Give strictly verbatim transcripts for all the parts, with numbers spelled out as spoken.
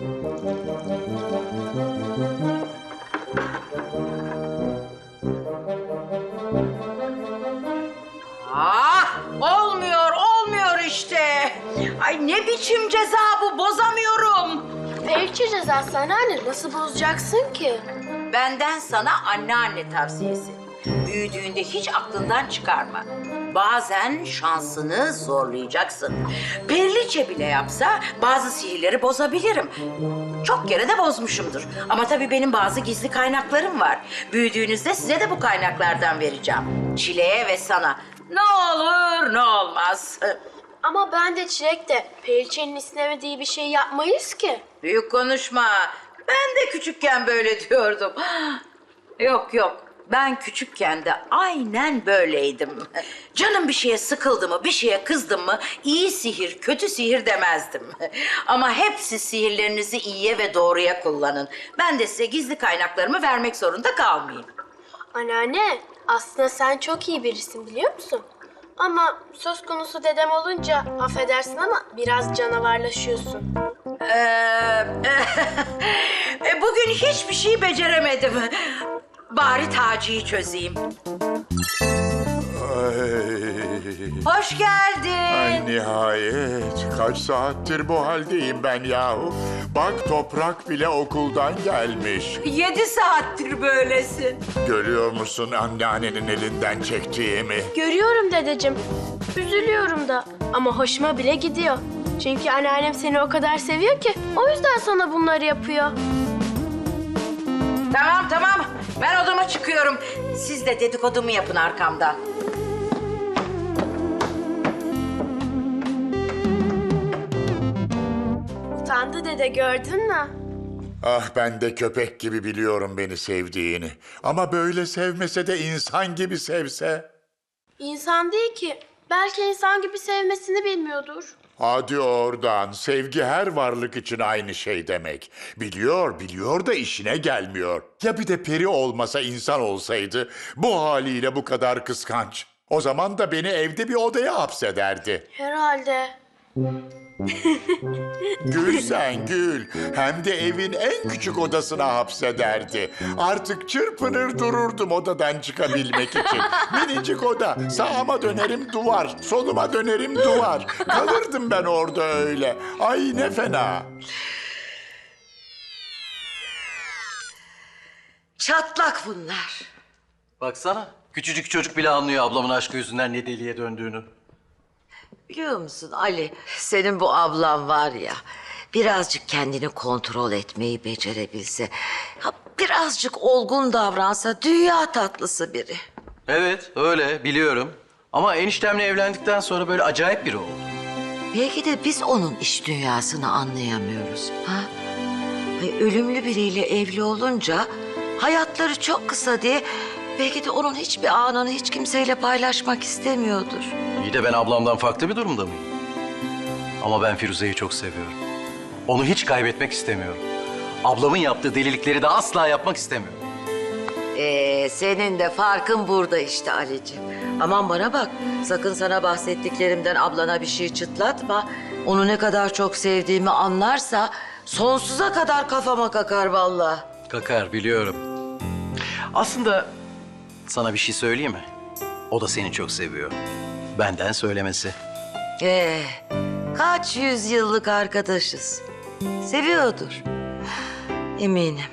Ah, olmuyor, olmuyor işte. Ay ne biçim ceza bu, bozamıyorum. Periçe cezası anneanne, nasıl bozacaksın ki? Benden sana anneanne tavsiyesi. Büyüdüğünde hiç aklından çıkarma. Bazen şansını zorlayacaksın. Perliçe bile yapsa bazı sihirleri bozabilirim. Çok kere de bozmuşumdur. Ama tabii benim bazı gizli kaynaklarım var. Büyüdüğünüzde size de bu kaynaklardan vereceğim. Çileğe ve sana. Ne olur ne olmaz. Ama ben de Çilek de Periçe'nin istemediği bir şey yapmayız ki. Büyük konuşma. Ben de küçükken böyle diyordum. Yok yok. Ben küçükken de aynen böyleydim. Canım bir şeye sıkıldı mı, bir şeye kızdım mı iyi sihir, kötü sihir demezdim. Ama hepsi sihirlerinizi iyiye ve doğruya kullanın. Ben de size gizli kaynaklarımı vermek zorunda kalmayayım. Anneanne, aslında sen çok iyi birisin biliyor musun? Ama söz konusu dedem olunca affedersin ama biraz canavarlaşıyorsun. Ee, e, bugün hiçbir şey beceremedim. Bari Taci'yi çözeyim. Ay, Hoş geldin. ay nihayet. Kaç saattir bu haldeyim ben yahu. Bak Toprak bile okuldan gelmiş. Yedi saattir böylesin. Görüyor musun anneannenin elinden çektiğimi? Görüyorum dedeciğim. Üzülüyorum da ama hoşuma bile gidiyor. Çünkü anneannem seni o kadar seviyor ki o yüzden sana bunları yapıyor. Tamam tamam. Ben odama çıkıyorum. Siz de dedikodumu yapın arkamdan. Utandı dede, gördün mü? Ah ben de köpek gibi biliyorum beni sevdiğini. Ama böyle sevmese de insan gibi sevse. İnsan değil ki. Belki insan gibi sevmesini bilmiyordur. Hadi oradan. Sevgi her varlık için aynı şey demek. Biliyor, biliyor da işine gelmiyor. Ya bir de peri olmasa insan olsaydı bu haliyle bu kadar kıskanç. O zaman da beni evde bir odaya hapsederdi. Herhalde. Gül sen gül. Hem de evin en küçük odasına hapsederdi. Artık çırpınır dururdum odadan çıkabilmek için. Minicik oda. Sağıma dönerim duvar. Soluma dönerim duvar. Kalırdım ben orada öyle. Ay ne fena. Çatlak bunlar. Baksana, küçücük çocuk bile anlıyor ablamın aşkı yüzünden ne deliye döndüğünü. Biliyor musun Ali, senin bu ablan var ya, birazcık kendini kontrol etmeyi becerebilse, ha, birazcık olgun davransa dünya tatlısı biri. Evet, öyle biliyorum. Ama eniştemle evlendikten sonra böyle acayip biri oldu. Belki de biz onun iç dünyasını anlayamıyoruz. Ha? Ay, ölümlü biriyle evli olunca hayatları çok kısa diye belki de onun hiçbir anını hiç kimseyle paylaşmak istemiyordur. İyi de ben ablamdan farklı bir durumda mıyım? Ama ben Firuze'yi çok seviyorum. Onu hiç kaybetmek istemiyorum. Ablamın yaptığı delilikleri de asla yapmak istemiyorum. Ee, senin de farkın burada işte Ali'ciğim. Aman bana bak, sakın sana bahsettiklerimden ablana bir şey çıtlatma. Onu ne kadar çok sevdiğimi anlarsa sonsuza kadar kafama kakar vallahi. Kakar biliyorum. Aslında sana bir şey söyleyeyim mi? O da seni çok seviyor. Benden söylemesi. Ee, kaç yüzyıllık arkadaşız. Seviyordur. Eminim.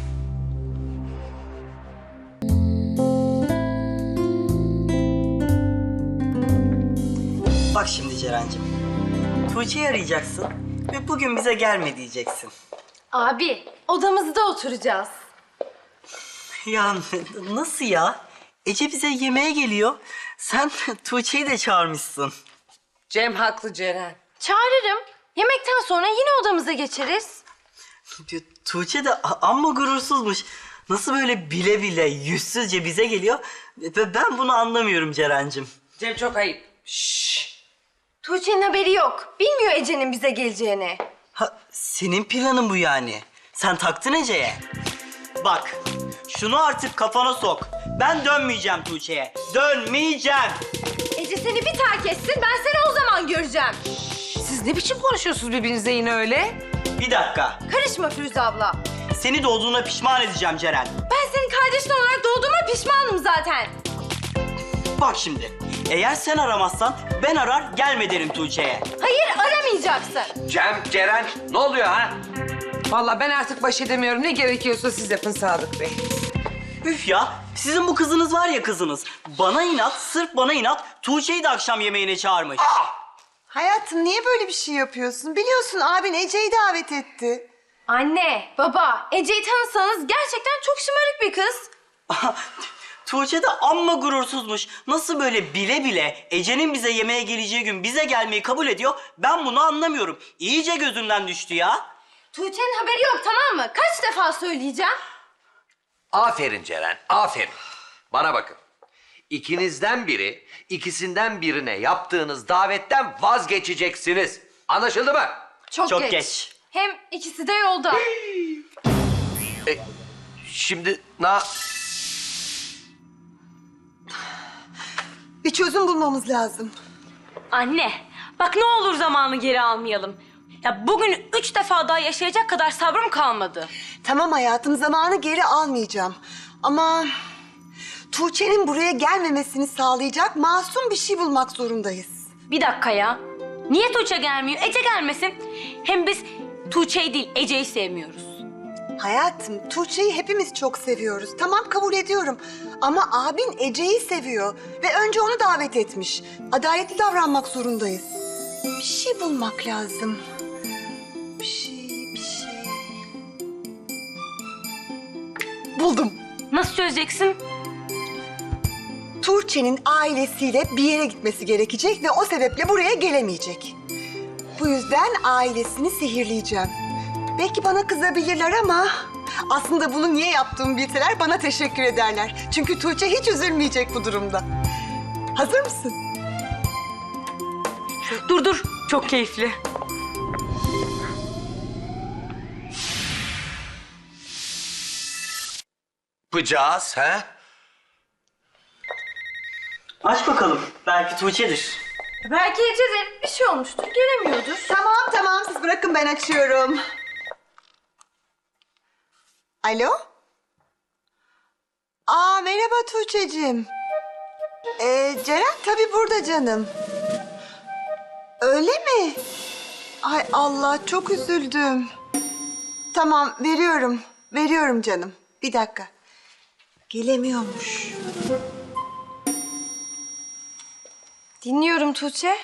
Bak şimdi Ceren'cim. Tuğçe'yi arayacaksın ve bugün bize gelme diyeceksin. Abi, odamızda oturacağız. Ya nasıl ya? Ece bize yemeğe geliyor. Sen Tuğçe'yi de çağırmışsın. Cem haklı Ceren. Çağırırım. Yemekten sonra yine odamıza geçeriz. Tuğçe de a- amma gurursuzmuş. Nasıl böyle bile bile yüzsüzce bize geliyor? Ve ben bunu anlamıyorum Ceren'cim. Cem çok ayıp. Tuğçe'nin haberi yok. Bilmiyor Ece'nin bize geleceğini. Ha, senin planın bu yani. Sen taktın Ece'ye. Bak, şunu artık kafana sok. Ben dönmeyeceğim Tuğçe'ye. Dönmeyeceğim. Ece seni bir terk etsin, ben seni o zaman göreceğim. Siz ne biçim konuşuyorsunuz birbirinize yine öyle? Bir dakika. Karışma Firuze abla. Seni doğduğuna pişman edeceğim Ceren. Ben senin kardeşin olarak doğduğuma pişmanım zaten. Bak şimdi. Eğer sen aramazsan ben arar gelme derim Tuğçe'ye. Hayır, aramayacaksın. Cem, Ceren ne oluyor ha? Vallahi ben artık baş edemiyorum. Ne gerekiyorsa siz yapın Sadık Bey. Üf ya. Sizin bu kızınız var ya kızınız. Bana inat, sırf bana inat Tuğçe'yi de akşam yemeğine çağırmış. Hayatım niye böyle bir şey yapıyorsun? Biliyorsun abin Ece'yi davet etti. Anne, baba, Ece'yi tanısanız gerçekten çok şımarık bir kız. Tuğçe de amma gurursuzmuş. Nasıl böyle bile bile Ece'nin bize yemeğe geleceği gün bize gelmeyi kabul ediyor? Ben bunu anlamıyorum. İyice gözümden düştü ya. Tuğçe'nin haberi yok, tamam mı? Kaç defa söyleyeceğim? Aferin Ceren, aferin. Bana bakın. İkinizden biri, ikisinden birine yaptığınız davetten vazgeçeceksiniz. Anlaşıldı mı? Çok, Çok geç. geç. Hem ikisi de yolda. Şimdi na... Bir çözüm bulmamız lazım. Anne, bak ne olur zamanı geri almayalım. Ya bugün üç defa daha yaşayacak kadar sabrım kalmadı. Tamam hayatım zamanı geri almayacağım. Ama Tuğçe'nin buraya gelmemesini sağlayacak masum bir şey bulmak zorundayız. Bir dakika ya. Niye Tuğçe gelmiyor? Ece gelmesin. Hem biz Tuğçe'yi değil, Ece'yi sevmiyoruz. Hayatım Tuğçe'yi hepimiz çok seviyoruz. Tamam kabul ediyorum. Ama abin Ece'yi seviyor. Ve önce onu davet etmiş. Adaletli davranmak zorundayız. Bir şey bulmak lazım. Bir şey, bir şey. Buldum. Nasıl çözeceksin? Tuğçe'nin ailesiyle bir yere gitmesi gerekecek ve o sebeple buraya gelemeyecek. Bu yüzden ailesini sihirleyeceğim. Belki bana kızabilirler ama aslında bunu niye yaptığımı bilseler bana teşekkür ederler. Çünkü Tuğçe hiç üzülmeyecek bu durumda. Hazır mısın? Dur dur, çok keyifli. Yapacağız ha? Aç bakalım. Belki Tuğçe'dir. Belki Ece'de bir şey olmuştur, gelemiyordur. Tamam tamam siz bırakın ben açıyorum. Alo? Aa merhaba Tuğçe'cim. Ee, Ceren tabii burada canım. Öyle mi? Ay Allah çok üzüldüm. Tamam veriyorum. Veriyorum canım. Bir dakika. Gelemiyormuş. Dinliyorum Tuğçe.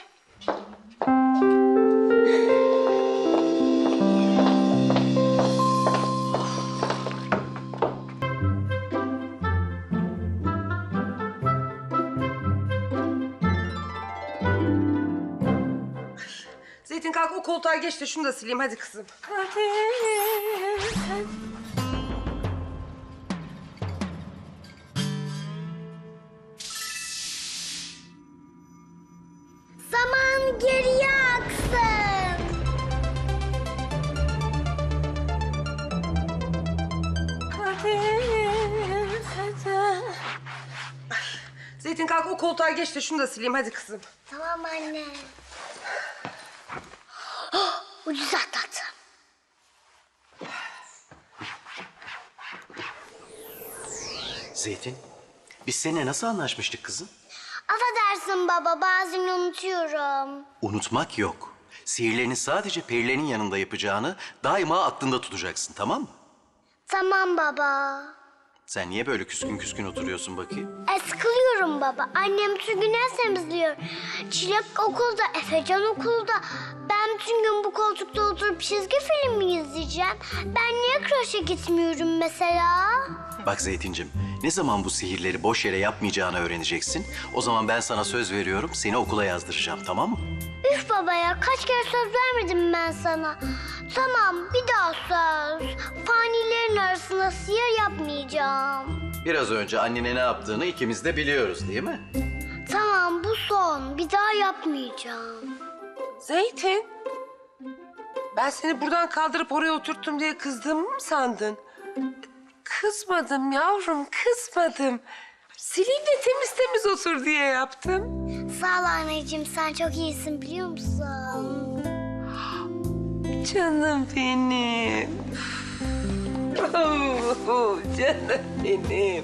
Zeytin kalk o koltuğa geç de şunu da sileyim hadi kızım. Zaman geriye aksın. Zeytin kalk o koltuğa geç de şunu da sileyim hadi kızım. Tamam anne. Oh, ucuz atlattım. Zeytin, biz seninle nasıl anlaşmıştık kızım? Affedersin baba, bazen unutuyorum. Unutmak yok. Sihirlerini sadece perilerin yanında yapacağını daima aklında tutacaksın, tamam mı? Tamam baba. Sen niye böyle küskün küskün oturuyorsun bakayım? E, sıkılıyorum baba. Annem bütün gün ev temizliyor. Çilek okulda, Efecan okulda. Ben bütün gün bu koltukta oturup çizgi film mi izleyeceğim? Ben niye kreşe gitmiyorum mesela? Bak Zeytincim, ne zaman bu sihirleri boş yere yapmayacağını öğreneceksin, o zaman ben sana söz veriyorum, seni okula yazdıracağım, tamam mı? Üf baba ya, kaç kere söz vermedim ben sana. Tamam, bir daha söz. Fanilerin arasında sihir yapmayacağım. Biraz önce annene ne yaptığını ikimiz de biliyoruz, değil mi? Tamam, bu son. Bir daha yapmayacağım. Zeytin. Ben seni buradan kaldırıp oraya oturttum diye kızdığımı mı sandın? Kızmadım yavrum, kızmadım. Sileyim de temiz temiz otur diye yaptım. Sağ ol anneciğim, sen çok iyisin biliyor musun? Canım benim. Oh, canım benim.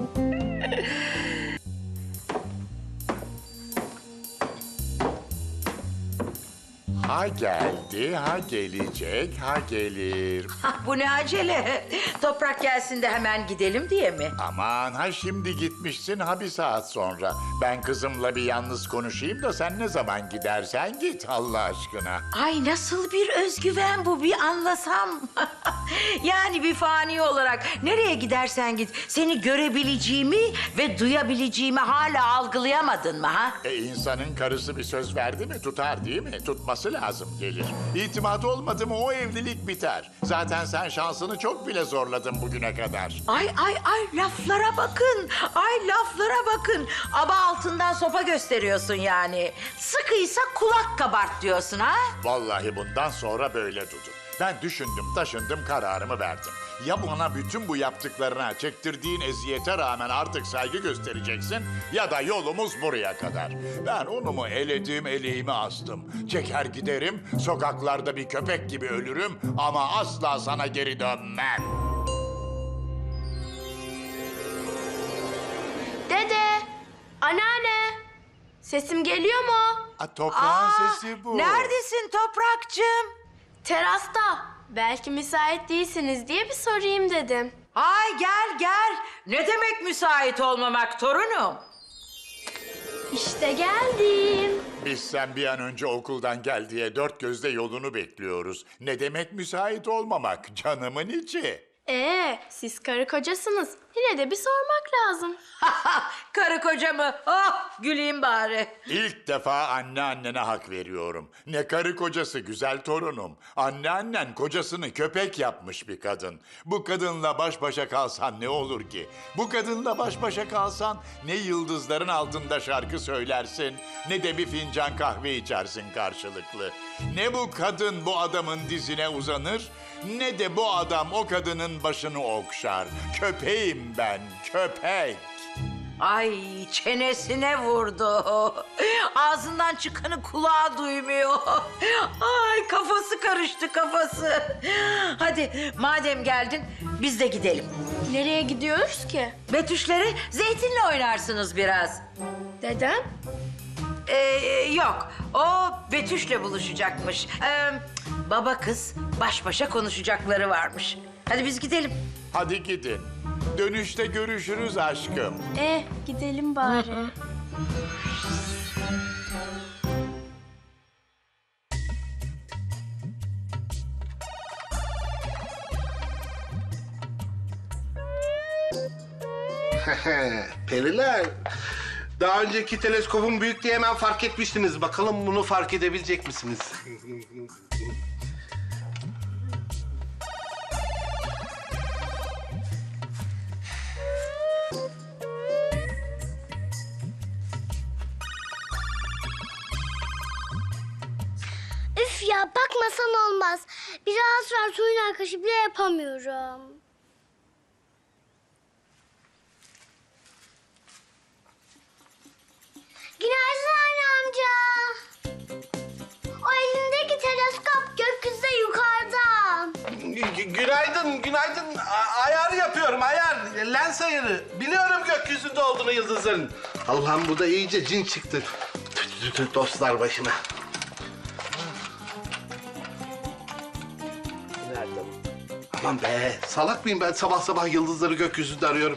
Ha geldi, ha gelecek, ha gelir. Hah, bu ne acele? Toprak gelsin de hemen gidelim diye mi? Aman ha şimdi gitmişsin ha bir saat sonra. Ben kızımla bir yalnız konuşayım da sen ne zaman gidersen git Allah aşkına. Ay nasıl bir özgüven bu bir anlasam. Yani bir fani olarak nereye gidersen git seni görebileceğimi ve duyabileceğimi hala algılayamadın mı ha? E insanın karısı bir söz verdi mi tutar değil mi? Tutması lazım gelir. İtimat olmadı mı o evlilik biter. Zaten sen şansını çok bile zorladın bugüne kadar. Ay ay ay laflara bakın. Ay laflara bakın. Aba altından sopa gösteriyorsun yani. Sıkıysa kulak kabart diyorsun ha? Vallahi bundan sonra böyle Dudu. Ben düşündüm, taşındım, kararımı verdim. Ya bana bütün bu yaptıklarına, çektirdiğin eziyete rağmen artık saygı göstereceksin... ...ya da yolumuz buraya kadar. Ben onumu eledim, eleğimi astım. Çeker giderim, sokaklarda bir köpek gibi ölürüm... ...ama asla sana geri dönmem. Dede, anneanne. Sesim geliyor mu? A, toprağın Aa, sesi bu. Neredesin Toprakçığım? Terasta. Belki müsait değilsiniz diye bir sorayım dedim. Ay gel gel. Ne demek müsait olmamak torunum? İşte geldim. Biz sen bir an önce okuldan gel diye dört gözle yolunu bekliyoruz. Ne demek müsait olmamak canımın içi? Ee, siz karı kocasınız. Yine de bir sormak lazım. Karı koca mı? Oh güleyim bari. İlk defa anneannene hak veriyorum. Ne karı kocası güzel torunum. Anneannen kocasını köpek yapmış bir kadın. Bu kadınla baş başa kalsan ne olur ki? Bu kadınla baş başa kalsan ne yıldızların altında şarkı söylersin... ...ne de bir fincan kahve içersin karşılıklı. Ne bu kadın bu adamın dizine uzanır... ...ne de bu adam o kadının başını okşar. Köpeğim ben, köpek. Ay çenesine vurdu. Ağzından çıkanı kulağı duymuyor. Ay kafası karıştı kafası. Hadi madem geldin biz de gidelim. Nereye gidiyoruz ki? Betüşleri Zeytin'le oynarsınız biraz. Dedem? Ee, yok o Betüş'le buluşacakmış. Ee, baba kız baş başa konuşacakları varmış. Hadi biz gidelim. Hadi gidin. Dönüşte görüşürüz aşkım. Eh, gidelim bari. Periler, daha önceki teleskopun büyüklüğü hemen fark etmiştiniz. Bakalım bunu fark edebilecek misiniz? Üf ya bakmasan olmaz. Biraz var suyun arkadaşı bile yapamıyorum. Günaydın anne amca. O elindeki teleskop gökyüzünde yukarıda. Gü- günaydın, günaydın. A- ayar yapıyorum, ayar. Lens ayarı. Biliyorum gökyüzünde olduğunu yıldızların. Allah'ım bu da iyice cin çıktı. Tü tü tü dostlar başıma. Nerede? Aman be, salak mıyım ben sabah sabah yıldızları gökyüzünde arıyorum.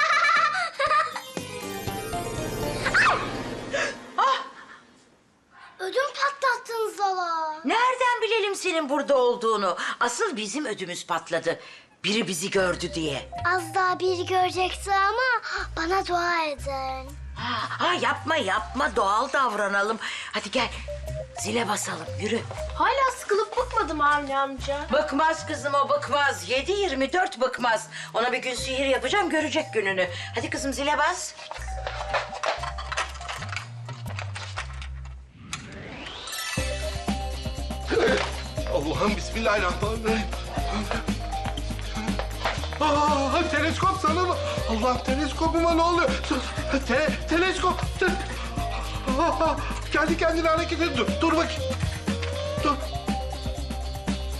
Ödüm patlattınız valla. Nereden bilelim senin burada olduğunu? Asıl bizim ödümüz patladı. Biri bizi gördü diye. Az daha biri görecekti ama bana dua edin. Ha, ha yapma yapma doğal davranalım. Hadi gel zile basalım yürü. Hala sıkılıp bıkmadım Avni amca. Bıkmaz kızım o bıkmaz. Yedi yirmi dört bıkmaz. Ona bir gün sihir yapacağım görecek gününü. Hadi kızım zile bas. Allah'ım bismillahirrahmanirrahim. Aa, teleskop sana mı? Allah'ım teleskopuma ne oluyor? Te teleskop. Te Aa, kendi kendine hareket ediyor. Dur, dur bakayım. Dur.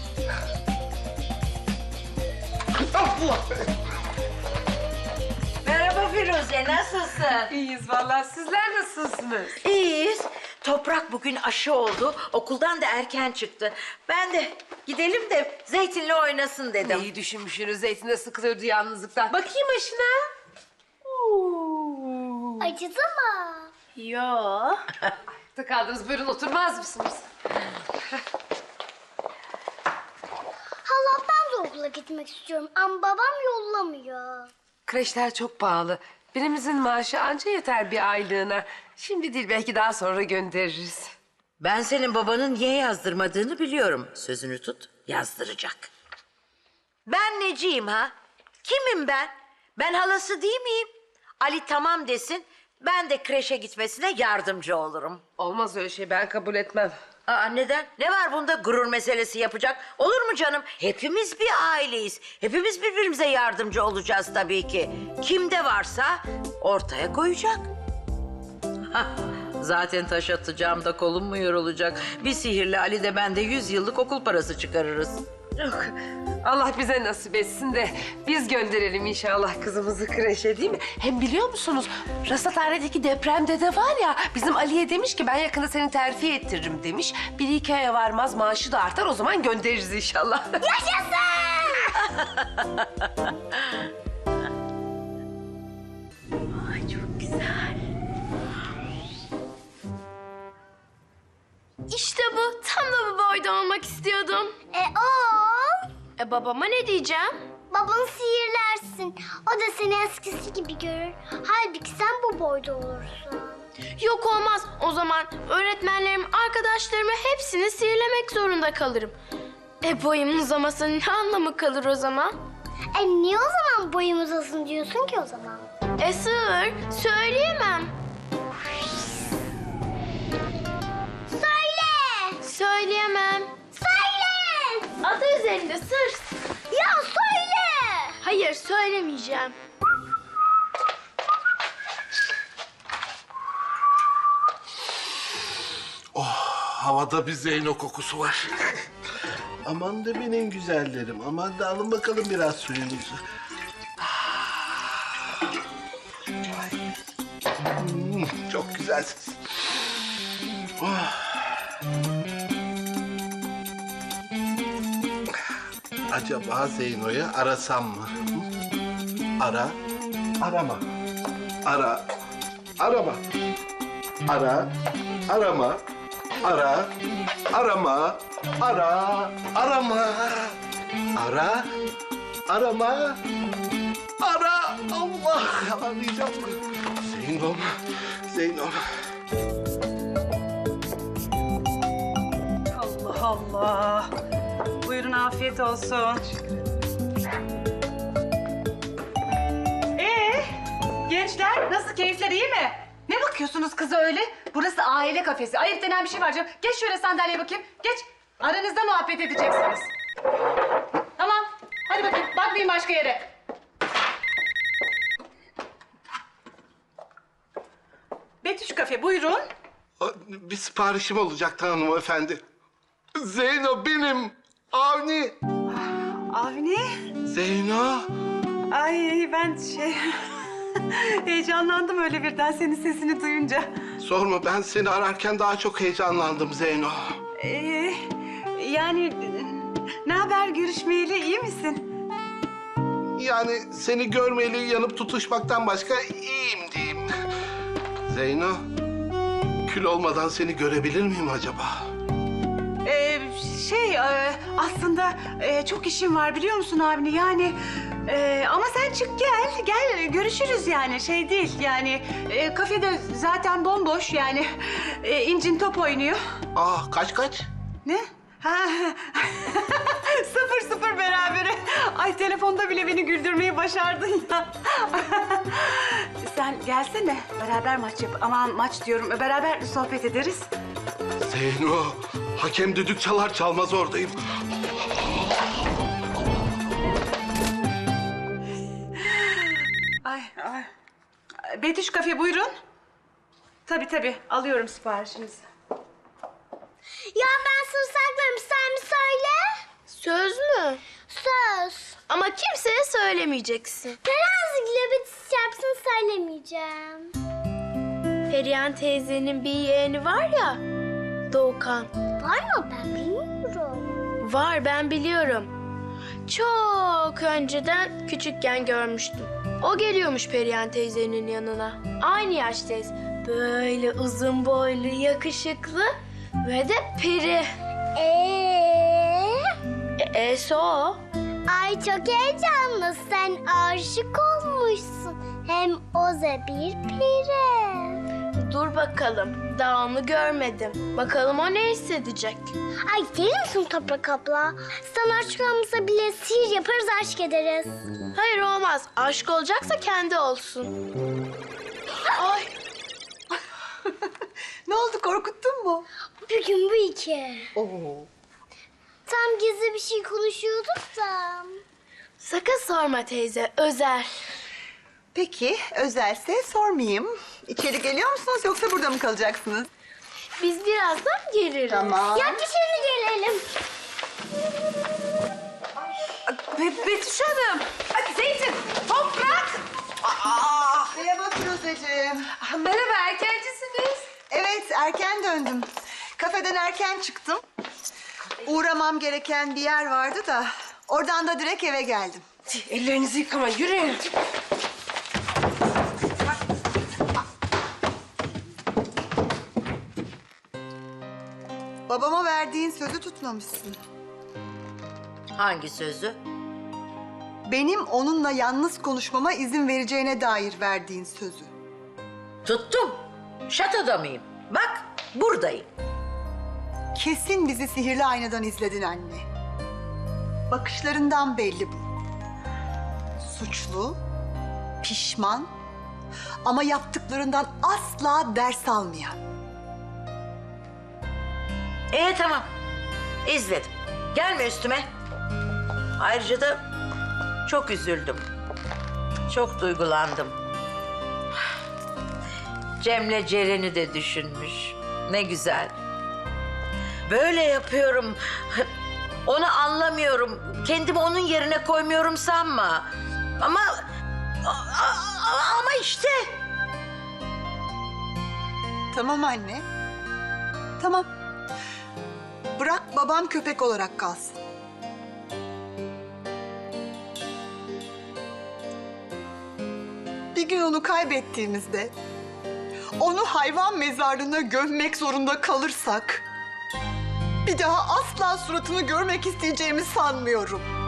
Allah. Merhaba Firuze, nasılsın? İyiyiz vallahi. Sizler nasılsınız? İyiyiz. Toprak bugün aşı oldu. Okuldan da erken çıktı. Ben de gidelim de Zeytin'le oynasın dedim. İyi düşünmüşsünüz. Zeytin de sıkılıyordu yalnızlıktan. Bakayım aşına. Oo. Acıdı mı? Yo. Ayakta kaldınız. Buyurun oturmaz mısınız? Hala ben de okula gitmek istiyorum ama babam yollamıyor. Kreşler çok pahalı. Birimizin maaşı anca yeter bir aylığına. Şimdi değil belki daha sonra göndeririz. Ben senin babanın niye yazdırmadığını biliyorum. Sözünü tut, yazdıracak. Ben neciyim ha? Kimim ben? Ben halası değil miyim? Ali tamam desin, ben de kreşe gitmesine yardımcı olurum. Olmaz öyle şey ben kabul etmem. Aa, neden? Ne var bunda gurur meselesi yapacak? Olur mu canım? Hepimiz bir aileyiz. Hepimiz birbirimize yardımcı olacağız tabii ki. Kimde varsa ortaya koyacak. Hah, zaten taş atacağım da kolum mu yorulacak? Bir sihirli Ali de ben de yüz yıllık okul parası çıkarırız. Yok. Allah bize nasip etsin de biz gönderelim inşallah kızımızı kreşe değil mi? Hem biliyor musunuz rasathanedeki depremde de var ya bizim Ali'ye demiş ki ben yakında seni terfi ettiririm demiş. Bir iki aya varmaz maaşı da artar o zaman göndeririz inşallah. Ay çok güzel. İşte bu. Tam da bu boyda olmak istiyordum. E o? E babama ne diyeceğim? Babanı sihirlersin. O da seni eskisi gibi görür. Halbuki sen bu boyda olursun. Yok olmaz. O zaman öğretmenlerim, arkadaşlarımı hepsini sihirlemek zorunda kalırım. E boyumun uzamasının ne anlamı kalır o zaman? E niye o zaman boyum uzasın diyorsun ki o zaman? E sığır, söyleyemem. Söyle! Söyleyemem. Söyle! Adı üzerinde sır. Ya söyle! Hayır, söylemeyeceğim. Havada bir Zeyno kokusu var. Aman da benim güzellerim. Aman da alın bakalım biraz suyunuzu. Hmm, çok güzelsiniz. Oh. Acaba Zeyno'yu arasam mı? Hı? Ara, arama. Ara, arama. Ara, arama. Ara, arama. Ara, arama. Ara, arama. Ara, Allah arayacağım. Zeynom, Zeynom. Allah Allah. Buyurun afiyet olsun. Ee, gençler nasıl keyifler iyi mi? Ne bakıyorsunuz kıza öyle? Burası aile kafesi. Ayıp denen bir şey var canım. Geç şöyle sandalyeye bakayım. Geç. Aranızda muhabbet edeceksiniz. Tamam. Hadi bakayım. Bakmayın başka yere. Betüş kafe buyurun. Bir siparişim olacaktı hanımefendi. Zeyno benim. Avni. Avni. Zeyno. Ay ben şey... Heyecanlandım öyle birden senin sesini duyunca. Sorma ben seni ararken daha çok heyecanlandım Zeyno. Ee, yani ne haber görüşmeyeli iyi misin? Yani seni görmeyeli yanıp tutuşmaktan başka iyiyim diyeyim. Zeyno, kül olmadan seni görebilir miyim acaba? Ee, şey e, aslında e, çok işim var biliyor musun Avni yani e, ama sen çık gel gel görüşürüz yani şey değil yani e, kafede zaten bomboş yani e, İncin top oynuyor. Ah kaç kaç? Ne? Ha. sıfır sıfır berabere. Ay telefonda bile beni güldürmeyi başardın ya. Sen gelsene beraber maç yap. Aman maç diyorum beraber sohbet ederiz. Zeyno, hakem düdük çalar çalmaz oradayım. Ay ay. Betüş kafe buyurun. Tabii tabii alıyorum siparişinizi. Ya ben sır saklarım sen mi söyle? Söz mü? Söz. Ama kimseye söylemeyeceksin. Terazi globeti şarkısını söylemeyeceğim. Perihan teyzenin bir yeğeni var ya, Doğukan. Var mı? Ben bilmiyorum. Var, ben biliyorum. Çok önceden küçükken görmüştüm. O geliyormuş Perihan teyzenin yanına. Aynı yaştayız. Böyle uzun boylu, yakışıklı ve de peri. Eee? E, E'si o. Ay çok heyecanlı. Sen aşık olmuşsun. Hem o da bir peri. Dur bakalım. Daha onu görmedim. Bakalım o ne hissedecek. Ay deli misin Toprak abla? Sana aşık olmasa bile sihir yaparız, aşk ederiz. Hayır olmaz. Aşk olacaksa kendi olsun. Ay. Ne oldu, korkuttun mu? Bir gün bu iki. Oo. Tam gizli bir şey konuşuyorduk da. Sakın sorma teyze. Özel. Peki, özelse sormayayım. İçeri geliyor musunuz yoksa burada mı kalacaksınız? Biz birazdan geliriz. Tamam. Ya dışarı gelelim. Be Betüş Hanım. Ay, Zeytin, Toprak. Aa, Merhaba Firuzeciğim. ah, merhaba, erkencisiniz. Evet, erken döndüm. Kafeden erken çıktım. Uğramam gereken bir yer vardı da oradan da direkt eve geldim. Ellerinizi yıkama, yürüyün. Babama verdiğin sözü tutmamışsın. Hangi sözü? Benim onunla yalnız konuşmama izin vereceğine dair verdiğin sözü. Tuttum. Şatoda mıyım? Bak buradayım. Kesin bizi sihirli aynadan izledin anne. Bakışlarından belli bu. Suçlu, pişman ama yaptıklarından asla ders almayan. İyi tamam. İzledim. Gelme üstüme. Ayrıca da çok üzüldüm. Çok duygulandım. Cem'le Ceren'i de düşünmüş. Ne güzel. Böyle yapıyorum. Onu anlamıyorum. Kendimi onun yerine koymuyorum sanma. Ama... Ama işte... Tamam anne. Tamam. Bırak babam köpek olarak kalsın. Bir gün onu kaybettiğimizde, onu hayvan mezarlığına gömmek zorunda kalırsak, bir daha asla suratını görmek isteyeceğimi sanmıyorum.